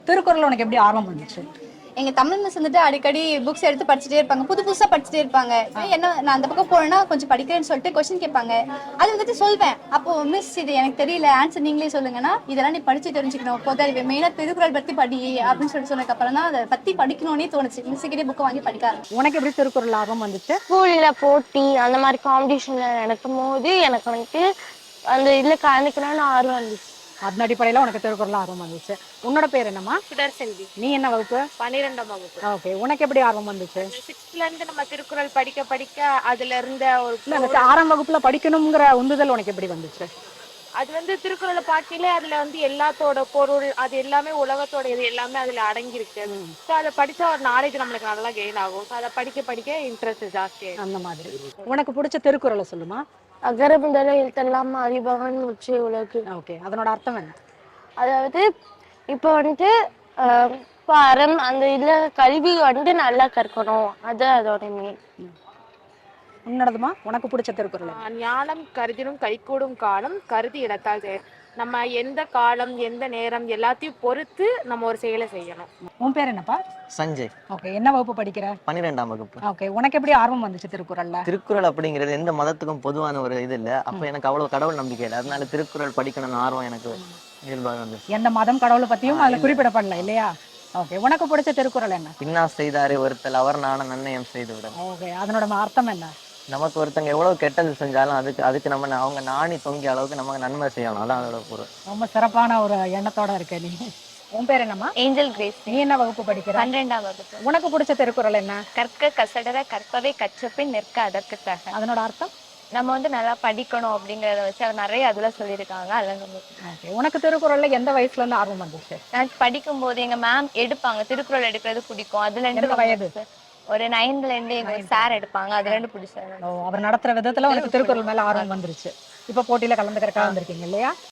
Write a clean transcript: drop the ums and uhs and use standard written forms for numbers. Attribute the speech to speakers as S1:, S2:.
S1: திருக்குறள் உனக்கு எப்படி ஆர்வம் வந்துச்சு?
S2: எங்க தமிழ் மிஸ் வந்துட்டு அடிக்கடி புக்ஸ் எடுத்து படிச்சுட்டே இருப்பாங்க, புது புதுசா படிச்சுட்டே இருப்பாங்க. என்ன நான் அந்த பக்கம் போனேன்னா கொஞ்சம் படிக்கிறேன்னு சொல்லிட்டு கொஸ்டின் கேட்பாங்க. அது வந்துட்டு சொல்வேன். அப்போ மிஸ் இது எனக்கு தெரியல, ஆன்சர் நீங்களே சொல்லுங்கன்னா, இதெல்லாம் நீ படிச்சு தெரிஞ்சுக்கணும், பொது மெயினா திருக்குறள் பத்தி படி அப்படின்னு சொல்லி சொன்னதுக்கு அப்புறம் தான் அதை பத்தி படிக்கணும்னே தோணுச்சு. மிஸ் கிட்டே புக் வாங்கி படிக்க ஆரம்பிச்சேன்.
S1: உனக்கு எப்படி திருக்குறள் ஆர்வம் வந்துச்சு?
S3: ஸ்கூல்ல போட்டி அந்த மாதிரி காம்படிஷன்ல நடக்கும் போது எனக்கு வந்துட்டு அந்த இதுல கலந்துக்கணும்னு ஆர்வம் இருந்துச்சு.
S1: அதன் அடிப்படையில உனக்கு திருக்குறள் ஆர்வம் வந்துச்சு. உன்னோட பேர் என்னம்மா?
S4: சுடர்செல்வி.
S1: நீ என்ன வகுப்பு?
S4: 12ஆம் வகுப்பு.
S1: ஓகே. உனக்கு எப்படி ஆர்வம் வந்துச்சு?
S4: 6th இருந்து நம்ம திருக்குறள் படிக்க படிக்க அதுல இருந்த ஒரு
S1: இல்ல, அந்த 6ஆம் வகுப்புல படிக்கணுங்கிற உந்துதல் உனக்கு எப்படி வந்துச்சு?
S4: அது வந்து திருக்குறளை பார்க்கையிலே அதுல வந்து எல்லாத்தோட பொருள் அது எல்லாமே உலகத்தோட இது எல்லாமே அதுல அடங்கியிருக்கு. ஸோ அதை படிச்சா ஒரு நாலேஜ் நம்மளுக்கு நல்லா கெயின் ஆகும். ஸோ அதை படிக்க படிக்க இன்ட்ரெஸ்ட் ஜாஸ்தி ஆயிடும்.
S1: அந்த மாதிரி. உனக்கு பிடிச்ச திருக்குறளை சொல்லுமா?
S3: அகர முதல எழுத்தெல்லாம் அறிபவன் உச்சி உலகு.
S1: ஓகே. அதனோட அர்த்தம் என்ன?
S3: அதாவது இப்போ வந்துட்டு இப்போ அந்த இதுல கல்வி வந்துட்டு நல்லா கற்கணும், அது அதோட மெயின்.
S1: உன்னோடதுமா? உனக்கு பிடிச்ச திருக்குறள் என்ன?
S4: ஞானம் கருதினும் கைகூடும் காலம் கருதி இடத்தால் நம்ம எந்த காலம் எந்த நேரம் எல்லாத்தையும் பொறுத்து நம்ம ஒரு செயலை செய்யணும்.
S1: உன் பேர் என்னப்பா?
S5: சஞ்சய்.
S1: ஓகே. என்ன வகுப்பு படிக்கிற?
S5: 12ஆம் வகுப்பு.
S1: ஓகே. உனக்கு எப்படி ஆர்வம் வந்துச்சு திருக்குறள்ல?
S5: திருக்குறள் அப்படிங்கிறது எந்த மதத்துக்கும் பொதுவான ஒரு இது இல்லை. அப்போ எனக்கு அவ்வளவு கடவுள் நம்பிக்கை இல்லை. அதனால திருக்குறள் படிக்கணும்னு ஆர்வம் எனக்கு இயல்பாக வந்துச்சு.
S1: எந்த மதம் கடவுளை பத்தியும் அதுல குறிப்பிடப்படல இல்லையா? ஓகே. உனக்கு பிடிச்ச திருக்குறள் என்ன?
S5: பின்னா செய்தாரே ஒருத்தல் அவர் நான நன்னயம் செய்து விட.
S1: ஓகே. அதனோட அர்த்தம் என்ன?
S5: நமக்கு ஒருத்தங்க எவ்வளவு கெட்டது செஞ்சாலும் அதுக்கு நம்ம அவங்க நாணி தொங்கிய அளவுக்கு நமக்கு நன்மை செய்யணும். அதான் அதோட பொருள்.
S1: ரொம்ப சிறப்பான ஒரு எண்ணத்தோட இருக்க நீ. உன் பேர் என்னம்மா?
S3: Angel Grace.
S1: நீ என்ன வகுப்பு படிக்கிற?
S3: 12ஆம் வகுப்பு.
S1: உனக்கு பிடிச்ச திருக்குறள் என்ன?
S3: கற்க கசடர கற்பவை கற்றபின் நிற்க அதற்குத்தாக.
S1: அதனோட அர்த்தம்?
S3: நம்ம வந்து நல்லா படிக்கணும் அப்படிங்கறத வச்சு அது நிறைய அதுல சொல்லியிருக்காங்க. அதெல்லாம்
S1: ஓகே. உனக்கு திருக்குறள்ல எந்த வயசுல இருந்து ஆர்வம் வந்துச்சு?
S3: நான் படிக்கும் போது எங்க மேம் எடுப்பாங்க, திருக்குறள் எடுக்கிறது பிடிக்கும். அதுல
S1: எந்த
S3: இருந்து
S1: வயது?
S3: ஒரு 9th இருந்து எங்க சார் எடுப்பாங்க, அதுல இருந்து பிடிச்சாரு.
S1: அவர் நடத்துற விதத்துல உனக்கு திருக்குறள் மேல ஆர்வம் வந்துருச்சு. இப்ப போட்டியில கலந்துக்கிறதுக்காக வந்திருக்கீங்க இல்லையா?